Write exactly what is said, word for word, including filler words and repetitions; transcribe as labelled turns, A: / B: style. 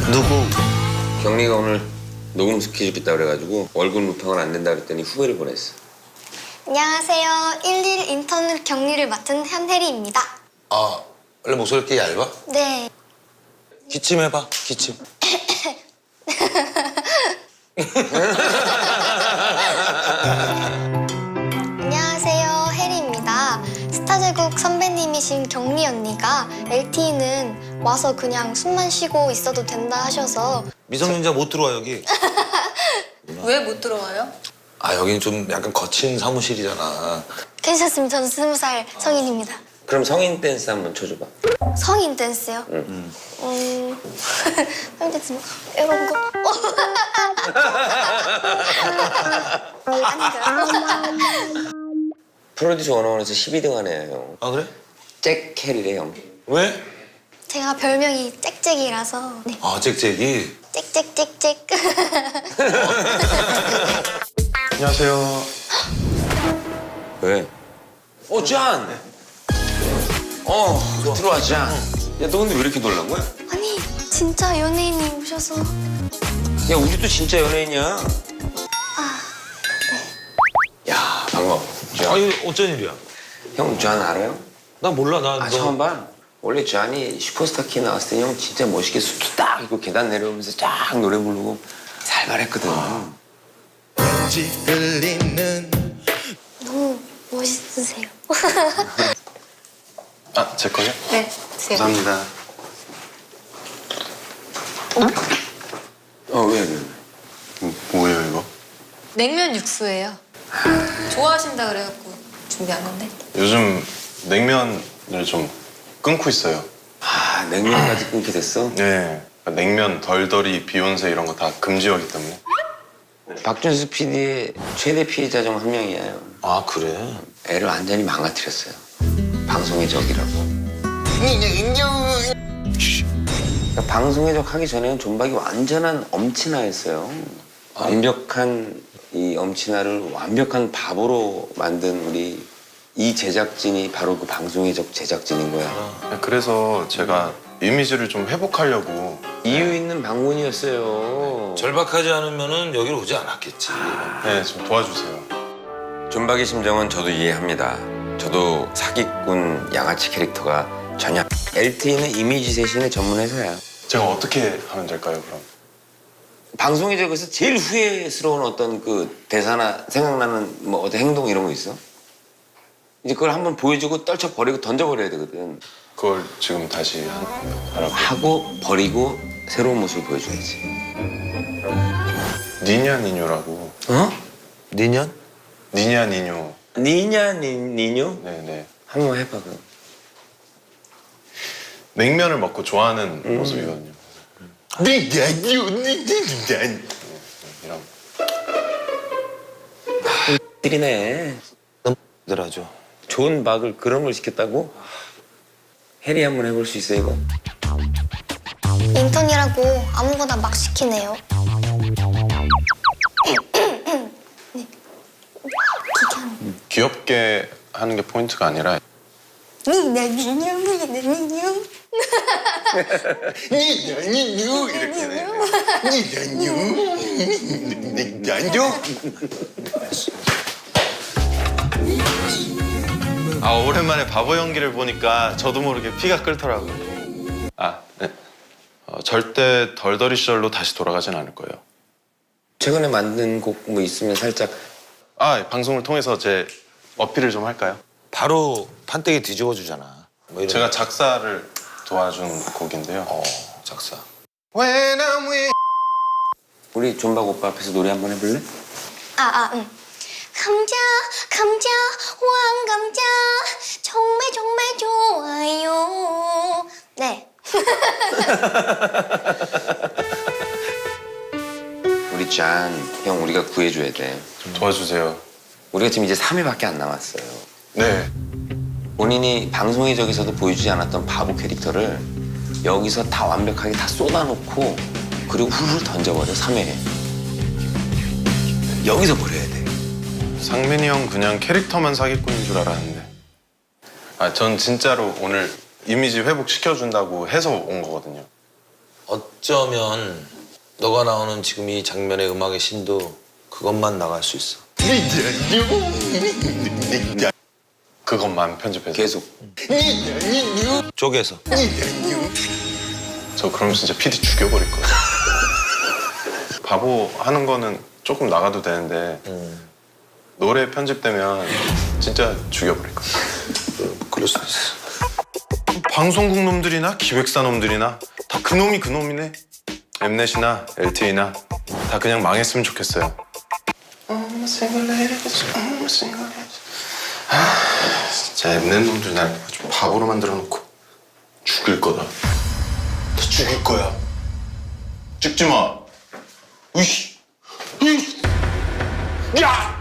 A: 누구?
B: 경리가 오늘 녹음 스케줄 있다 그래가지고 월급 루팡을 안 낸다 그랬더니 후배를 보냈어.
C: 안녕하세요. 일일 인턴 격리를 맡은 현혜리입니다.
A: 아, 원래 목소리 이렇게 얇아?
C: 네.
A: 기침해봐, 기침.
C: 안녕하세요. 혜리입니다. 스타제국 선배님이신 경리 언니가 엘티이는 와서 그냥 숨만 쉬고 있어도 된다 하셔서
A: 미성년자 못 들어와, 여기.
D: 왜 못 들어와요?
A: 아, 여긴 좀 약간 거친 사무실이잖아.
C: 괜찮습니다. 저는 스무 살 성인입니다.
B: 그럼 성인 댄스 한번 쳐줘봐.
C: 성인 댄스요?
B: 응.
C: 음... 성인 댄스 뭐 이런 거? 아닌가요?
B: 프로듀스 원어원에서 십이 등 하네요, 형.
A: 아, 그래?
B: 잭 캐리래, 형.
A: 왜?
C: 제가 별명이 짹짹이라서 네.
A: 아, 잭잭이.
C: 짹짹짹짹.
E: 안녕하세요.
B: 왜? 어, 짠! 어, 들어와, 짠. 야, 너 근데 왜 이렇게 놀란 거야?
C: 아니 진짜 연예인이 오셔서
B: 야, 우리도 진짜 연예인이야.
C: 아
B: 야, 반가워.
A: 아, 이거 어쩐 일이야?
B: 형, 짠 알아요?
A: 나 몰라, 나.
B: 아,
A: 너...
B: 처음 봐? 원래 짠이 슈퍼스타 키 나왔을 때 형 진짜 멋있게 수트 딱 입고 계단 내려오면서 쫙 노래 부르고 살벌했거든.
A: 왠지 들리는.
C: 너무 멋있으세요.
E: 아, 제 거요?
D: 네, 드세요.
E: 감사합니다.
B: 어, 왜, 왜?
E: 음, 뭐예요, 이거?
D: 냉면 육수예요. 좋아하신다 그래갖고 준비한 건데.
E: 요즘 냉면을 좀 끊고 있어요.
B: 아, 냉면까지 끊게 됐어?
E: 네. 냉면, 덜덜이, 비욘세 이런 거 다 금지어기 때문에.
B: 박준수 피디의 최대 피해자 중 한 명이에요.
A: 아, 그래?
B: 애를 완전히 망가뜨렸어요. 방송의 적이라고. 그러니까 방송의 적 하기 전에는 존박이 완전한 엄친아였어요. 완벽한 이 엄친아를 완벽한 바보로 만든 우리 이 제작진이 바로 그 방송의 적 제작진인 거야.
E: 그래서 제가 이미지를 좀 회복하려고.
B: 이유 있는 방문이었어요.
A: 절박하지 않으면은 여기로 오지 않았겠지.
E: 네, 좀 도와주세요.
B: 존박의 심정은 저도 이해합니다. 저도 사기꾼 양아치 캐릭터가 전혀. 엘티이는 이미지 세신의 전문 회사야.
E: 제가 어떻게 하면 될까요, 그럼?
B: 방송의 적에서 제일 후회스러운 어떤 그 대사나 생각나는 뭐 어떤 행동 이런 거 있어? 이제 그걸 한번 보여주고 떨쳐버리고 던져버려야 되거든.
E: 그걸 지금 다시 한, 하라고.
B: 하고 버리고 새로운 모습을 보여줘야지.
E: 니냐 니뇨라고.
B: 어?
A: 니년?
E: 니냐 니뇨.
B: 니냐 니, 니뇨?
E: 네네.
B: 한번 해봐 그럼.
E: 냉면을 먹고 좋아하는
B: 음.
E: 모습이거든요. 니냐뇨 니냐 이런.
B: 띠리네.
A: 더라죠.
B: 좋은 박을 그런 걸 시켰다고? 해리 한번 해볼 수 있어 이거?
C: 인턴이라고 아무거나 막 시키네요. 네.
E: 귀엽게 하는 게 포인트가 아니라
C: 니나 니냐 니나 니냐.
E: 니냐 니뇨 이렇게 해요. 니냐 니뇨 니냐뇨. 아, 오랜만에 바보 연기를 보니까 저도 모르게 피가 끓더라고요. 아, 네. 어, 절대 덜덜이 시절로 다시 돌아가진 않을 거예요.
B: 최근에 만든 곡 뭐 있으면 살짝.
E: 아, 방송을 통해서 제 어필을 좀 할까요?
A: 바로 판때기 뒤집어 주잖아. 뭐 이런.
E: 제가 작사를 도와준 곡인데요.
A: 어, 작사.
E: When I'm with...
B: 우리 존박 오빠 앞에서 노래 한번 해볼래?
C: 아, 아, 응. 감자, 감자, 왕감자, 정말 정말 좋아요. 네.
B: 우리 짠, 형 우리가 구해줘야 돼.
E: 좀 도와주세요.
B: 우리가 지금 이제 삼 회밖에 안 남았어요.
E: 네.
B: 본인이 방송의 적에서도 보여주지 않았던 바보 캐릭터를 여기서 다 완벽하게 다 쏟아놓고 그리고 훌훌 던져버려, 삼 회에. 여기서 버려야 돼.
E: 상민이 형 그냥 캐릭터만 사기꾼인 줄 알았는데. 아, 전 진짜로 오늘 이미지 회복시켜준다고 해서 온 거거든요.
A: 어쩌면 너가 나오는 지금 이 장면의 음악의 신도 그것만 나갈 수 있어.
E: 그것만 편집해서.
B: 계속.
A: 쪼개서.
E: 저 그러면 진짜 피디 죽여버릴 거예요. 바보 하는 거는 조금 나가도 되는데
A: 음.
E: 노래 편집되면 진짜 죽여버릴 거예요.
A: 그럴 수 있어.
E: 방송국 놈들이나 기획사 놈들이나 다 그놈이 그놈이네. 엠넷이나 엘티에이나 다 그냥 망했으면 좋겠어요. 아, 진짜 엠넷 놈들 날 아주 바보로 만들어 놓고 죽일 거다. 다 죽일 거야. 찍지 마. 으이씨. 으이씨. 야!